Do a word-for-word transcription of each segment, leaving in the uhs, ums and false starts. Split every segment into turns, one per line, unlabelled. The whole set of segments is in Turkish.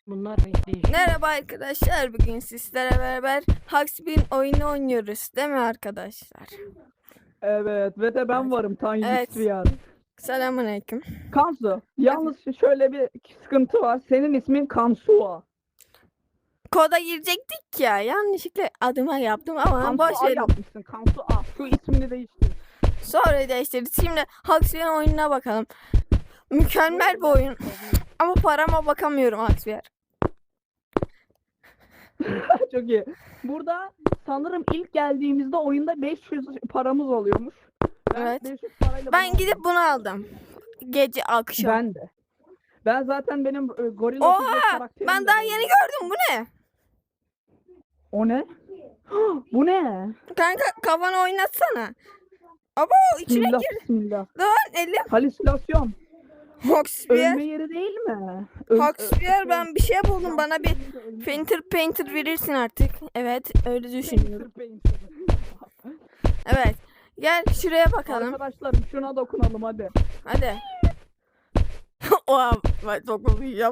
Bunlar değişik.
Merhaba arkadaşlar, bugün sizlerle beraber Haksbin oyunu oynuyoruz değil mi arkadaşlar?
Evet ve de ben varım Tanju
Evet.
Sviyar.
Selamünaleyküm.
Kansu, yalnız şöyle bir sıkıntı var. Senin ismin Kansua.
Koda girecektik ya, yanlışlıkla adıma yaptım ama boş
Kansua
verin.
yapmışsın. Kansua. Şu ismini değiştir.
Sonra değiştirdik. Şimdi Haksbin oyununa bakalım. Mükemmel bir oyun ama parama bakamıyorum Haksbin.
Çok iyi. Burada sanırım ilk geldiğimizde oyunda beş yüz paramız oluyormuş. Ben
Evet.
beş yüz parayla
Ben
bunu
gidip
aldım.
bunu aldım. Gece akşam.
Ben de. Ben zaten benim e, gorilla
Oha!
figür karakterim
Ben
de
daha
var.
yeni gördüm, bu ne?
O ne? Bu ne?
Kanka kafanı oynatsana. Abo içine
Bismillah,
gir.
bismillah.
Lan elim.
Halüsinasyon.
Haksbin.
Ölme yeri değil mi? Ö-
Haksbin, ben bir şey buldum, bana bir
Ölme-
painter painter verirsin artık. Evet, öyle düşünüyorum.
Painter, painter.
Evet. Gel şuraya bakalım.
Arkadaşlarım şuna dokunalım hadi.
Hadi. Oha, ben dokunmayacağım.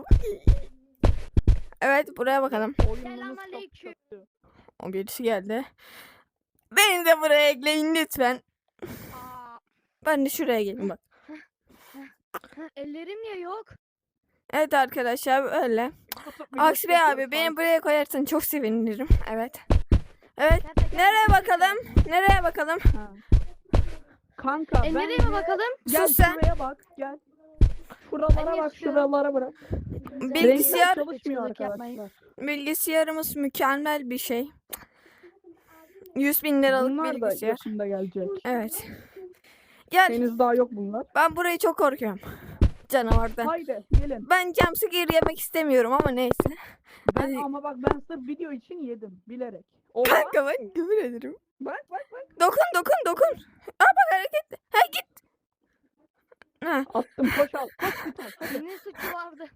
Evet, buraya bakalım.
Oyunumuz
Selamünaleyküm.
çok kötü.
O birisi geldi. Beni de buraya ekleyin lütfen.
Aa,
Ben de şuraya geleyim bak.
ellerim ya yok.
Evet arkadaşlar, öyle. Aksi Bey abi, beni buraya koyarsan çok sevinirim. Evet. Evet.
Gerçekten
Nereye
bir şey
bakalım? Nereye bakalım?
Ha. Kanka
E,
ben
nereye mi bakalım?
gel
Sus sen.
şuraya bak gel. Şuralara
Ben
bak
istiyorum.
şuralara bırak.
Bilgisayar-
Renkler çalışmıyor
Çığlık yapmayın.
arkadaşlar.
Bilgisayarımız mükemmel bir şey. yüz bin liralık
Bunlar da
bilgisayar.
yakında gelecek.
Evet. Gel.
Henüz daha yok bunlar.
Ben burayı çok korkuyorum. Canavardan.
Haydi gelin.
Ben jumpscare yemek istemiyorum ama neyse.
Ben
Hadi.
ama bak ben sırf video için yedim bilerek. Oha.
Kanka ben küfür ederim.
Bak bak bak.
Dokun dokun dokun. Aa bak hareket. Ha git. Ha.
Attım koş al. Koş bir tane. Hadi.
Ne suçu vardı?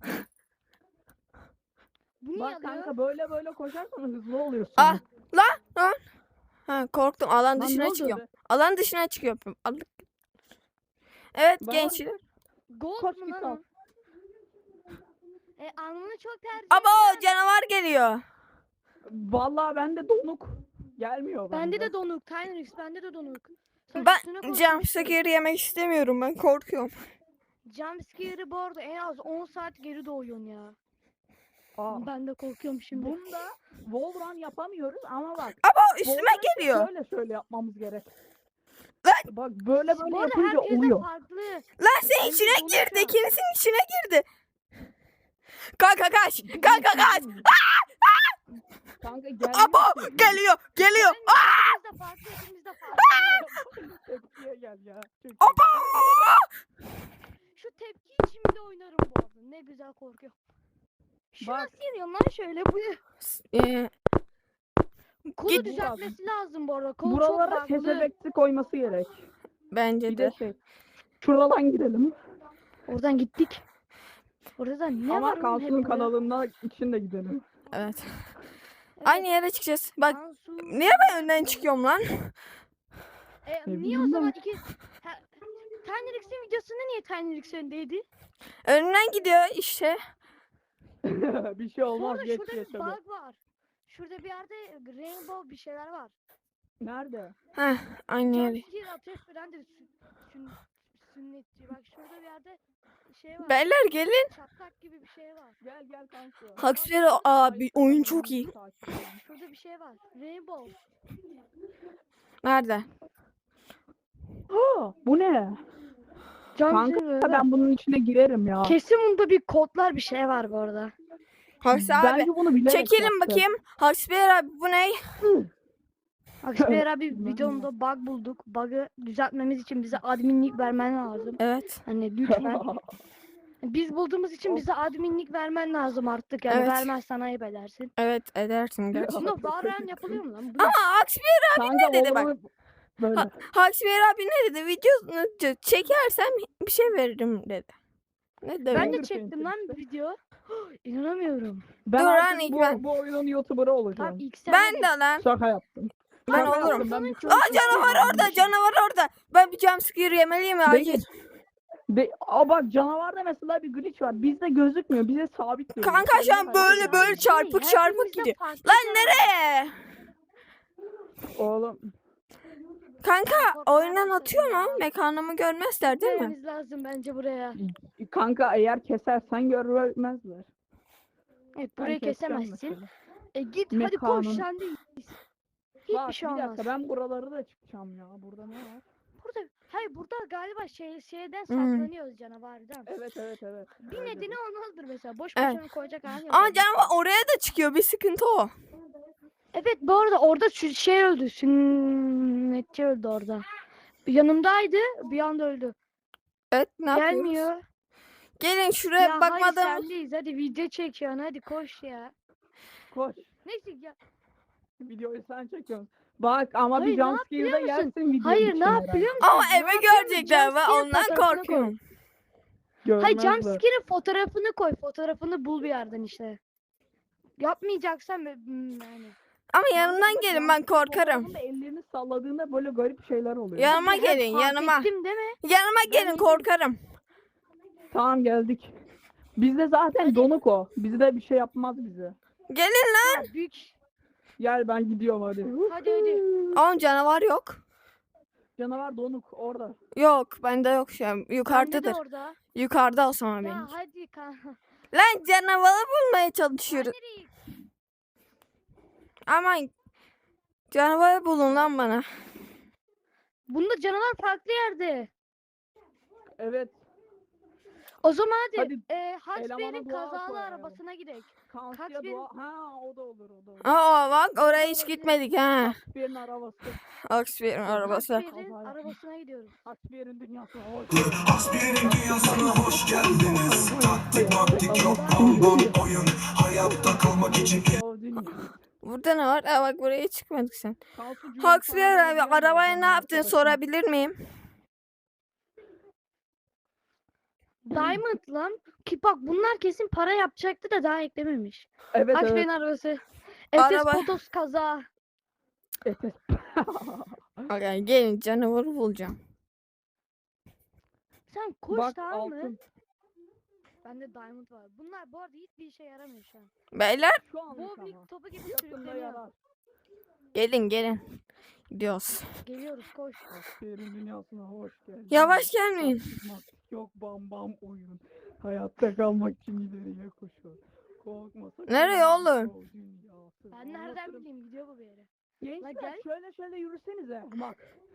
Bu niye
Bak
alıyor?
kanka böyle böyle koşarsan hızlı oluyorsun.
Ah, Lan lan. Ha korktum, alan
Lan ne
dışına
oldu
çıkıyorum.
be?
Alan dışına çıkıyorum. Aldık. Evet
Ben-
gençler.
Gold
Koş
mu
git
lan
al.
o? E alnını çok tercih
Abo canavar geliyor.
Vallahi bende donuk. Gelmiyor bende.
Bende de donuk. Tynrix bende de donuk. Sen
Ben
üstüne koymuşsun.
jumpscare yemek istemiyorum, ben korkuyorum.
Jumpscare'ı bu arada en az on saat geri doğuyorsun ya.
Aa,
Ben de korkuyorum şimdi.
bunda wall run yapamıyoruz ama bak.
Abo üstüme
wall run
geliyor.
Şöyle şöyle yapmamız gerek.
Lan!
Bak böyle böyle
Bu arada
yapınca
herkes de
oluyor.
farklı.
Lan senin
Benim
içine
donuk
girdi.
ya.
İkinizin içine girdi. Kanka kaç. Kanka kaç.
Kanka gel.
Abo geliyor. Geliyor.
Yani ikimiz de farklı, ikimiz de farklı.
Tepkiye gel ya. Çok iyi.
Abo.
Şu tepkiyi şimdi oynarım bu arada. Ne güzel korkuyorum. Şu
Bak.
nasıl yeniyor lan şöyle bu?
Ee,
Kolu
Git.
düzeltmesi lazım bu arada. Kolu
Buralara
çok farklı.
kesebeksi koyması gerek.
bence
Bir
de.
de şey. Şuradan gidelim.
Oradan gittik. Orada da ne
Ama
var oğlum hep
Kansu'nun
burada?
kanalında için de gidelim.
Evet.
Evet,
Aynı yere çıkacağız. Bak
Kansu.
niye ben önden çıkıyorum lan?
E,
Ne
niye
bileyim
o
ben.
zaman iki... Ha, Tynrix'in videosunda niye Tynrix öndeydi?
Önünden gidiyor işte.
Bir şey
Bu
olmaz
arada
geç
şurada
geç
bir
hadi.
bug var. Şurada bir yerde rainbow bir şeyler var.
Nerede?
Heh, aynı yere.
Jumpscare ateş veren de sü- sün- sünnetçi. Bak şurada bir yerde şey var.
Beyler gelin.
Çatlak gibi bir şey var.
Gel gel Kansu.
Haksberi abi oyun çok iyi.
Şurada bir şey var. Rainbow.
Nerede?
Ha, bu ne? Kanka
Jumpscare
ben bunun içine girerim ya.
Kesin bunda bir kodlar bir şey var bu arada.
Haks abi.
Bence bunu bilerek
Çekelim
yaptı.
bakayım. Haksberi abi bu ne?
Akşener abi
Bilmem
videomda bug bulduk. Bug'ı düzeltmemiz için bize adminlik vermen lazım.
Evet.
Hani lütfen. Biz bulduğumuz için bize adminlik vermen lazım artık. Yani
Evet.
vermezsen ayıp edersin.
Evet edersin gerçekten.
Bunda Valorant yapılıyor mu lan? Bu
Ama Haksberi
Kanka
ne dedi bak?
oğlum, Böyle.
Ha- Haksberi abi ne dedi? Videosunu ç- çekersem bir şey veririm dedi. Ne dedi?
ben de
Finger
çektim
painting
lan
işte.
video. İnanamıyorum.
Ben
Dur
artık
lan, ilk
bu,
ben.
bu oyunun YouTuber'ı olacağım.
Tamam ilk sen
Ben
hadi.
de lan.
Şaka yaptım.
Ben
Şaka
olurum.
yaptım, ben bir şey
Aa canavar orada, canavar orada. Ben bir jumpscare yemeliyim ya.
Bekle.
Acil.
De, aa bak canavarda mesela bir glitch var. Bizde gözükmüyor. Bize sabit duruyor.
Kanka şu an
Öyle
böyle
hayal
böyle
ediyorum.
çarpık
Hey,
çarpık
hepimizde
gidiyor.
farklı
Lan
canavar.
nereye?
Oğlum
Kanka
Korkmaya
oyundan
başladım
atıyor
ya.
mu? Mekanımı görmezler değil mi?
Gitmemiz lazım bence buraya.
kanka eğer kesersen görmezler.
Evet
Ben
burayı
keseceğim
kesemezsin.
mesela.
E git hadi koş
Mekanın-
sen de.
Bak
Hiçbir şey
bir
olmaz.
dakika ben buraları da çıkacağım ya. Burada ne var?
Burada hayır burada galiba şey şeyden
Hmm.
saklanıyoruz canavardan.
Evet evet evet.
Bir
Öyle
nedeni
bir-
olmazdır mesela. Boş
Evet.
boşuna koyacak hali yok.
Ama
orada.
canavar oraya da çıkıyor. Bir sıkıntı o.
Evet bu arada orada şu şey öldü. Sünnetçi öldü orada. Yanımdaydı bir anda öldü.
Evet ne yapıyoruz?
Gelmiyor.
Gelin şuraya
Ya
bakmadım.
hayır sendeyiz hadi video çekiyorsun hadi koş ya.
Koş.
Neyse ya.
Videoyu sen çekiyorsun. Bak ama
Hayır,
bir
ne yap
jumpscare
biliyor
da
musun?
yersin video
Hayır
için
ne yap
herhalde.
biliyor musun?
Ama
Ne
eve
yapıyor musun?
görecekler ve
Jumpscare
ondan
fotoğrafını koy.
korkuyorum.
Hayır
Görmezler.
jumpscare'in fotoğrafını koy. Fotoğrafını bul bir yerden işte. Yapmayacaksan be- hmm, yani.
Ama
Kanka
yanımdan
bak,
gelin ben
jumpscare
korkarım.
fotoğrafında ellerini salladığında böyle garip şeyler oluyor.
Yanıma
Hep
gelin
fark
yanıma.
ettim değil mi?
Yanıma gelin
yedim.
korkarım.
Tamam geldik. Bizde zaten
Hadi.
donuk o. Bizde bir şey yapmaz bize.
Gelin lan.
Ya, büyük.
Gel ben gidiyorum hadi.
Hadi hadi.
Oğlum canavar yok.
Canavar donuk orada.
Yok bende yok şu an.
Bende de
Yukarıdadır.
orada.
Yukarıda o zaman benim.
Ya hadi kanka.
Lan canavarı bulmaya çalışıyoruz.
Nereye?
Aman canavarı bulun lan bana.
Bunda canavar farklı yerde.
Evet.
O zaman hadi,
Hadi,
e,
elemana
Hasbiye'nin
dua
kazalı
koyalım.
arabasına gidelim.
Kansiye
Kaç
dua. Ha o da olur o da olur.
Aa bak oraya hiç gitmedik ha.
Hasbiye'nin arabası.
Oxford'un arabası.
Hasbiye'nin
Kazaya.
arabasına gidiyoruz.
Hasbiye'nin dünyasına hoş
Hasbiye'nin dünyasına hoş geldiniz. Taktik maktik yok, bam bam oyun. Hayatta kalmak için
O dünya.
Burada ne var? Aa bak buraya çıkmadık sen.
Kansu Cuma
Haksbiyer
sana
abi
benzeyen
arabaya
adam
ne yaptın
arkadaşım.
sorabilir miyim?
Diamond lan. Ki bak bunlar kesin para yapacaktı da daha eklememiş.
Evet
Hasbiye'nin
evet.
arabası. Efes
Araba-
Potos kaza.
Efes.
Okay, gelin canavarı bulacağım.
Sen koş
Bak
tamam mı?
altın.
Bende diamond var. Bunlar bu arada hiçbir işe yaramıyor şu an.
Beyler
Şu anlık ama.
Bowling topu gibi
Yakında
sürükleniyor.
yarar.
gelin gelin. Gidiyoruz.
Geliyoruz koş.
Hasbiye'nin dünyasına hoş geldin.
Yavaş gelmeyin.
Taktik maktik yok bam bam oyun. Hayatta kalmak için ileriye koşuyor. Korkma sakın.
Nereye oğlum?
o dünyası.
Ben nereden
Anlatırım.
bileyim gidiyor bu bir yere.
Gençler
gel.
şöyle şöyle yürüsenize. Bak.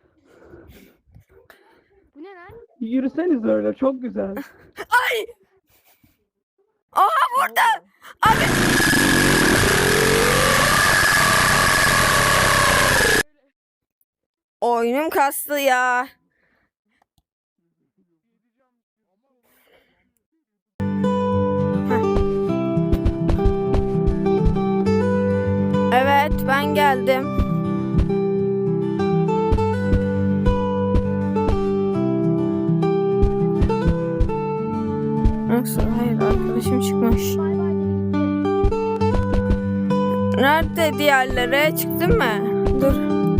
Bu ne lan?
Yürüseniz öyle çok güzel.
Ay! Aha burada. Abi. Oyunum kastı ya. Heh. Evet ben geldim. Yoksa hayır arkadaşım çıkmış.
Bay bay dedi gitti.
Nerede diğerleri? Çıktın mı? Dur.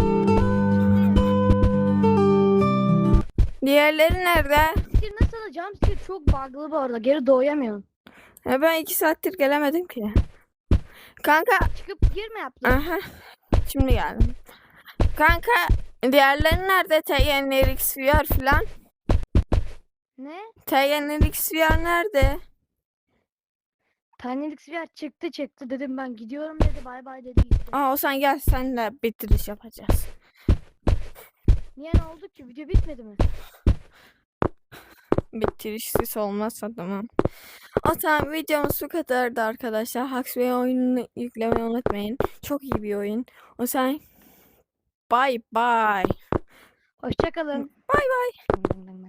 Diğerleri nerede?
Jumpscare nasıl da jumpscare çok bug'lı bu arada. Geri doğuyamıyorum.
Ya ben iki saattir gelemedim ki. Kanka.
Çıkıp girme yaptın.
Aha. Şimdi geldim. Kanka. Diğerleri nerede? T N R X V R falan.
Ne?
T N R X V R nerede?
Tanelik siyer çıktı çıktı dedim ben gidiyorum dedi bay bay dedi gitti.
Aa o sen gel senle bitiriş yapacağız.
Niye ne oldu ki? Video bitmedi mi?
Bitirişsiz olmazsa tamam. O tamam videomuz bu kadardı arkadaşlar. Huxley oyununu yüklemeyi unutmayın. Çok iyi bir oyun. O sen bye bye.
Hoşçakalın.
Bye bye.